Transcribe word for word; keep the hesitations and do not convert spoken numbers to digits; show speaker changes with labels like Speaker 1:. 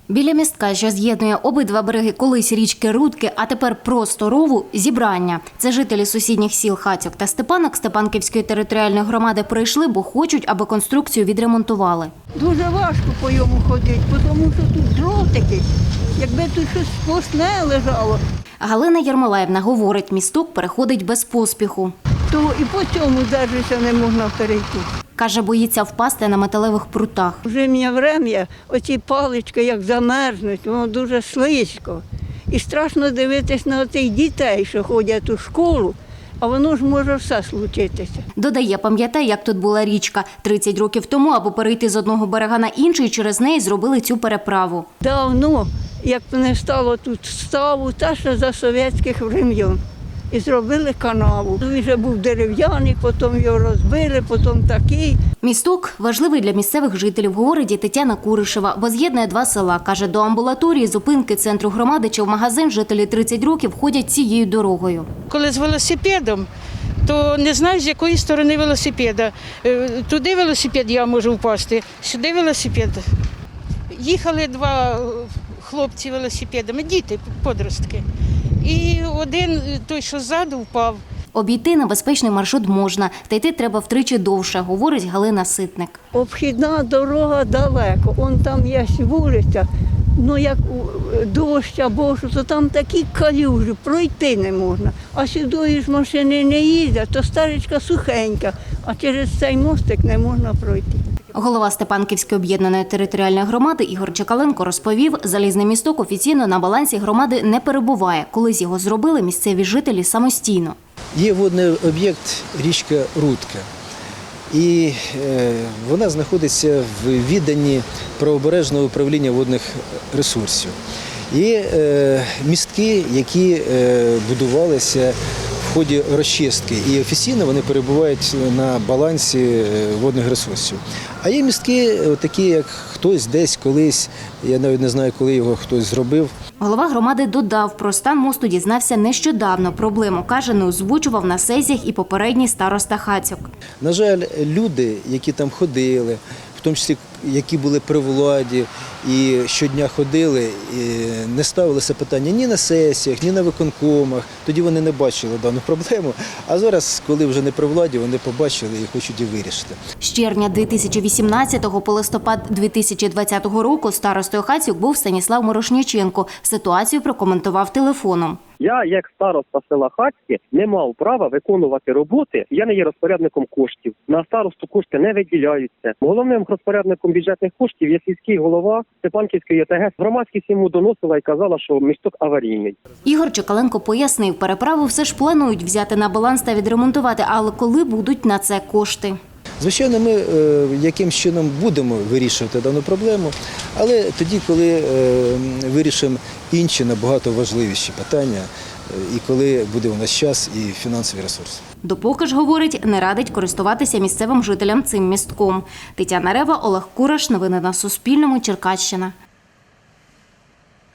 Speaker 1: Біля містка, що з'єднує обидва береги колись річки Рудки, а тепер просто рову – зібрання. Це жителі сусідніх сіл Хацьок та Степанок Степанківської територіальної громади прийшли, бо хочуть, аби конструкцію відремонтували.
Speaker 2: Дуже важко по йому ходити, тому що тут дротики, якби тут щось сплошне лежало.
Speaker 1: Галина Єрмолаївна говорить, місток переходить без поспіху.
Speaker 2: То і по цьому держися не можна перейти.
Speaker 1: Каже, боїться впасти на металевих прутах.
Speaker 2: Вже мені время, оці палички як замерзнуть, воно дуже слизько. І страшно дивитись на тих дітей, що ходять у школу, а воно ж може все случитися.
Speaker 1: Додає, пам'ятає, як тут була річка. тридцять років тому, аби перейти з одного берега на інший, через неї зробили цю переправу.
Speaker 2: Давно, як не стало тут ставу, та ще за совєтських времен. І зробили канаву. Він вже був дерев'яний, потім його розбили, потім такий.
Speaker 1: Місток важливий для місцевих жителів, говорить Тетяна Куришева, бо з'єднує два села. Каже, до амбулаторії, зупинки центру громади чи в магазин жителі тридцять років ходять цією дорогою.
Speaker 3: Коли з велосипедом, то не знаєш, з якої сторони велосипеда. Туди велосипед я можу впасти, сюди велосипед. Їхали два хлопці велосипедами, діти, подростки. І один, той, що ззаду, впав.
Speaker 1: Обійти небезпечний маршрут можна, та йти треба втричі довше, говорить Галина Ситник.
Speaker 2: Обхідна дорога далеко, он там є вулиця, ну як дощ або що, то там такі калюжі, пройти не можна. А сюди ж машини не їздять, то старичка сухенька, а через цей мостик не можна пройти.
Speaker 1: Голова Степанківської об'єднаної територіальної громади Ігор Чекаленко розповів, залізний місток офіційно на балансі громади не перебуває. Колись його зробили місцеві жителі самостійно.
Speaker 4: Є водний об'єкт річка Рудка. І е, вона знаходиться в відданні правобережного управління водних ресурсів. Є е, містки, які е, будувалися в ході розчистки, і офіційно вони перебувають на балансі водних ресурсів. А є містки, такі як хтось десь колись, я навіть не знаю, коли його хтось зробив.
Speaker 1: Голова громади додав, про стан мосту дізнався нещодавно. Проблему, каже, не озвучував на сесіях і попередній староста Хацьок.
Speaker 4: На жаль, люди, які там ходили, в тому числі, які були при владі і щодня ходили, і не ставилися питання ні на сесіях, ні на виконкомах. Тоді вони не бачили дану проблему. А зараз, коли вже не при владі, вони побачили і хочуть її вирішити.
Speaker 1: З червня дві тисячі вісімнадцятого по листопад дві тисячі двадцятого року старостою Хацьок був Станіслав Морошніченко. Ситуацію прокоментував телефоном.
Speaker 5: Я, як староста села Хацьке, не мав права виконувати роботи. Я не є розпорядником коштів. На старосту кошти не виділяються. Головним розпорядником бюджетних коштів є сільський голова Степанківської ОТГ. Громадськість йому доносила і казала, що місток аварійний.
Speaker 1: Ігор Чекаленко пояснив, переправу все ж планують взяти на баланс та відремонтувати, але коли будуть на це кошти?
Speaker 4: Звичайно, ми е, яким чином будемо вирішувати дану проблему, але тоді, коли е, вирішимо інші набагато важливіші питання, е, і коли буде у нас час і фінансовий ресурс.
Speaker 1: Допоки ж, говорить, не радить користуватися місцевим жителям цим містком. Тетяна Рева, Олег Кураш. Новини на Суспільному. Черкащина.